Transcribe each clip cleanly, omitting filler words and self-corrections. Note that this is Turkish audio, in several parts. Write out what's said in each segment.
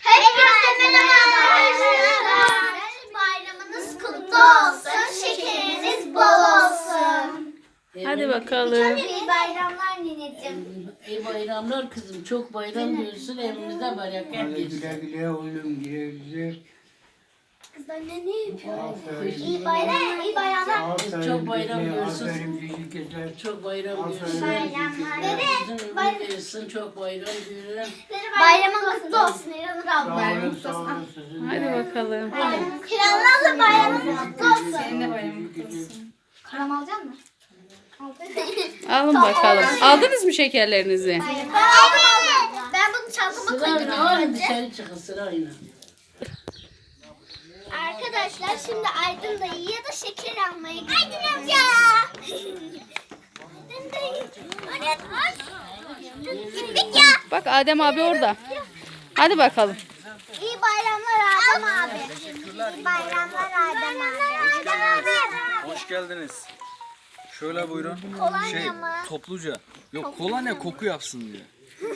Hepinize merhaba arkadaşlar. Bayramınız kutlu olsun. Şekeriniz bol olsun. Hadi bakalım. İyi bayramlar nineciğim. İyi bayramlar kızım. Çok bayram görsün evimizde bereket Güle geçsin. güle oğlum, güle güle. Kızlar ne yapıyor? Aferin. İyi bayram, iyi bayramlar. Aferin Çok bayram bize, görsün. aferin bizi güzel. Çok bayram görsün. Bayramlar. Bizim ömür versin. Çok bayram görün. Bayramın kutlu olsun İranur Sağ abla. olun, sağ olun sizin Hadi de. bakalım. İranur abla bayramın kutlu olsun. Senin de bayramın kutlu olsun. Karam alacak mısın? Alın bakalım. Aldınız mı şekerlerinizi? Ben aldım. Ben bunu çantama Sırayla koydum. alın dışarı çıkın sırayla. Arkadaşlar şimdi Aydın dayıya da şeker almaya gidiyoruz. Aydın amca. Aydın dayı. Gittik ya. Bak Adem abi orada. Hadi bakalım. İyi bayramlar Adem abi. İyi bayramlar Adem abi. Adem abi. Hoş geldiniz. Şöyle buyurun. Kolonya mı? Topluca. Yok kolonya koku yapsın diye.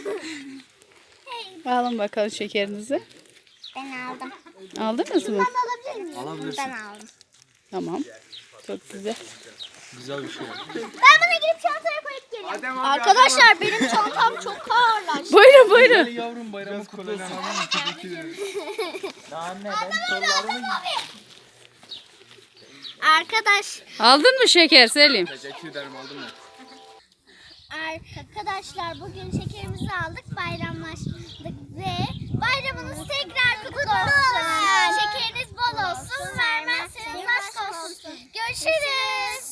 Alın bakalım şekerinizi. Ben aldım. Aldınız mı? Ben alabilir miyim? Alabilirsin. Ben aldım. Tamam. Çok güzel. Güzel bir şey. Ben buna gidip çantaya koyup geliyorum. Arkadaşlar benim çantam çok ağırlaştı. Buyurun buyurun. Yavrum bayramı kutlu olsun. Arkadaş, Aldın mı şeker Selim? Teşekkür ederim aldım ya. arkadaşlar bugün şekerimizi aldık, bayramlaştık ve bayramınız tekrar kutlu olsun. Şekeriniz bol olsun, vermezseniz aşk olsun. Görüşürüz.